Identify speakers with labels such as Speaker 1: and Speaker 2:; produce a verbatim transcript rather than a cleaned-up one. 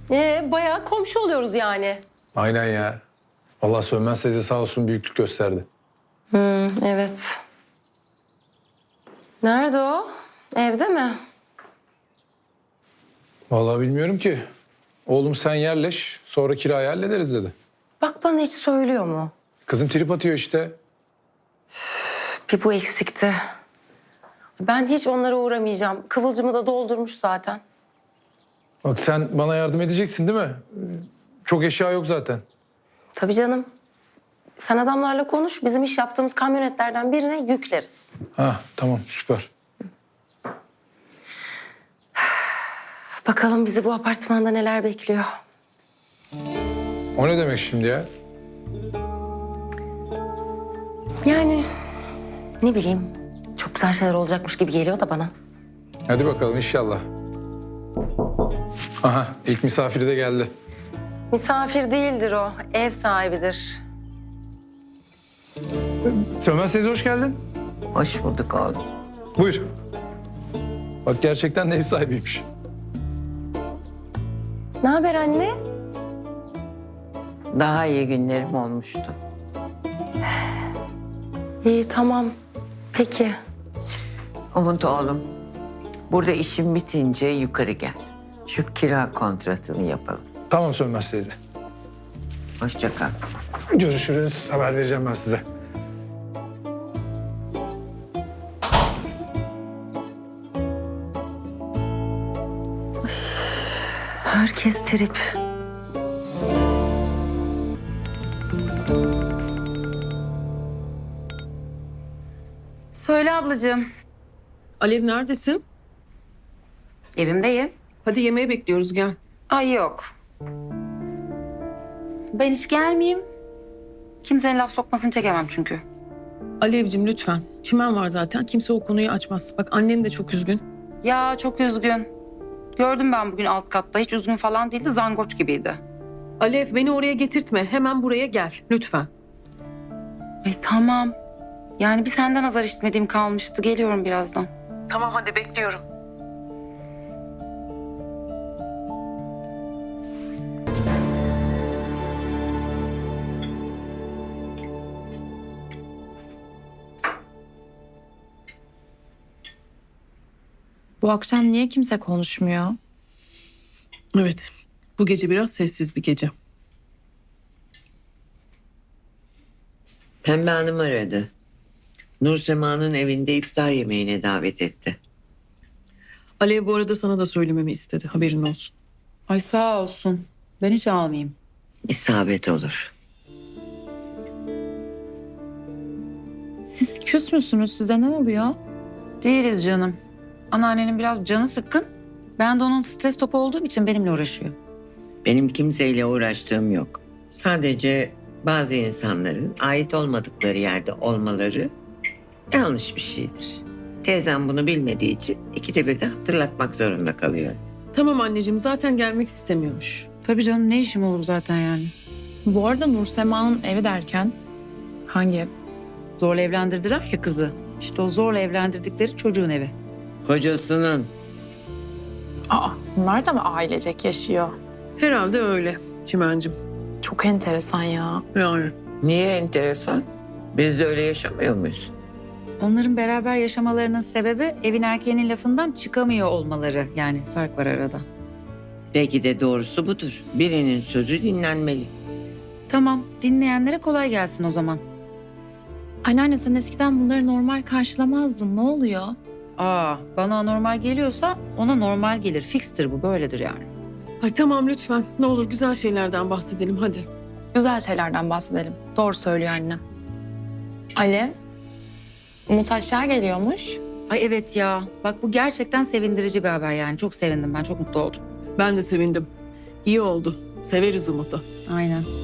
Speaker 1: Ee, bayağı komşu oluyoruz yani.
Speaker 2: Aynen ya. Vallahi Sönmez teyze sağ olsun büyüklük gösterdi.
Speaker 1: Hmm, evet. Nerede o? Evde mi?
Speaker 2: Vallahi bilmiyorum ki. Oğlum sen yerleş, sonra kirayı hallederiz dedi.
Speaker 1: Bak bana hiç söylüyor mu?
Speaker 2: Kızım trip atıyor işte.
Speaker 1: Bir bu eksikti. Ben hiç onlara uğramayacağım. Kıvılcımı da doldurmuş zaten.
Speaker 2: Bak sen bana yardım edeceksin değil mi? Ee, Çok eşya yok zaten.
Speaker 1: Tabii canım. Sen adamlarla konuş. Bizim iş yaptığımız kamyonetlerden birine yükleriz.
Speaker 2: Ha tamam süper.
Speaker 1: Bakalım bizi bu apartmanda neler bekliyor.
Speaker 2: O ne demek şimdi ya?
Speaker 1: Yani ne bileyim. Çok güzel şeyler olacakmış gibi geliyor da bana.
Speaker 2: Hadi bakalım inşallah. Aha ilk misafiri de geldi.
Speaker 1: Misafir değildir o. Ev sahibidir.
Speaker 2: Sönmez teyze hoş geldin.
Speaker 3: Hoş bulduk oğlum.
Speaker 2: Buyur. Bak gerçekten de ev sahibiymiş.
Speaker 1: Ne haber anne?
Speaker 3: Daha iyi günlerim olmuştu.
Speaker 1: İyi tamam. Peki.
Speaker 3: Umut oğlum, burada işin bitince yukarı gel. Şu kira kontratını yapalım.
Speaker 2: Tamam Sönmez teyze.
Speaker 3: Hoşça kal.
Speaker 2: Görüşürüz. Haber vereceğim ben size.
Speaker 1: Herkes trip. Söyle ablacığım.
Speaker 4: Alev neredesin?
Speaker 1: Evimdeyim.
Speaker 4: Hadi yemeğe bekliyoruz gel.
Speaker 1: Ay yok. Ben hiç gelmeyeyim. Kimsenin laf sokmasını çekemem çünkü.
Speaker 4: Alevcim lütfen. Çimen var zaten. Kimse o konuyu açmaz. Bak annem de çok üzgün.
Speaker 1: Ya çok üzgün. Gördüm ben bugün alt katta. Hiç üzgün falan değildi. Zangoç gibiydi.
Speaker 4: Alev beni oraya getirtme. Hemen buraya gel lütfen.
Speaker 1: Ay tamam. Yani bir senden azar işitmediğim kalmıştı. Geliyorum birazdan.
Speaker 4: Tamam hadi bekliyorum.
Speaker 5: Bu akşam niye kimse konuşmuyor?
Speaker 4: Evet. Bu gece biraz sessiz bir gece.
Speaker 3: Pembe Hanım aradı. Nur Sema'nın evinde iftar yemeğine davet etti.
Speaker 4: Alev bu arada sana da söylememi istedi. Haberin olsun.
Speaker 1: Ay sağ olsun. Ben hiç almayayım.
Speaker 3: İsabet olur.
Speaker 5: Siz küs müsünüz? Size ne oluyor?
Speaker 1: Değiliz canım. Anneannenin biraz canı sıkkın. Ben de onun stres topu olduğum için benimle uğraşıyor.
Speaker 3: Benim kimseyle uğraştığım yok. Sadece bazı insanların ait olmadıkları yerde olmaları yanlış bir şeydir. Teyzem bunu bilmediği için ikide bir de hatırlatmak zorunda kalıyor.
Speaker 4: Tamam anneciğim zaten gelmek istemiyormuş.
Speaker 1: Tabii canım ne işim olur zaten yani.
Speaker 5: Bu arada Nur Sema'nın evi derken hangi ev?
Speaker 1: Zorla evlendirdiler ya kızı. İşte o zorla evlendirdikleri çocuğun evi.
Speaker 3: Kocasının.
Speaker 5: Aa, bunlar da mı ailecek yaşıyor?
Speaker 4: Herhalde öyle Çimencim.
Speaker 5: Çok enteresan ya.
Speaker 4: Yani.
Speaker 3: Niye enteresan? Biz de öyle yaşamıyor muyuz?
Speaker 6: Onların beraber yaşamalarının sebebi evin erkeğinin lafından çıkamıyor olmaları. Yani fark var arada.
Speaker 3: Belki de doğrusu budur. Birinin sözü dinlenmeli.
Speaker 6: Tamam, dinleyenlere kolay gelsin o zaman.
Speaker 5: Anneanne sen eskiden bunları normal karşılamazdın. Ne oluyor?
Speaker 6: Aa, bana normal geliyorsa ona normal gelir. Fikstir bu, böyledir yani.
Speaker 4: Ay tamam lütfen. Ne olur güzel şeylerden bahsedelim hadi.
Speaker 5: Güzel şeylerden bahsedelim. Doğru söylüyor anne. Alev, Umut aşağı geliyormuş.
Speaker 6: Ay evet ya, bak bu gerçekten sevindirici bir haber yani. Çok sevindim ben, çok mutlu oldum.
Speaker 4: Ben de sevindim. İyi oldu. Severiz Umut'u.
Speaker 6: Aynen.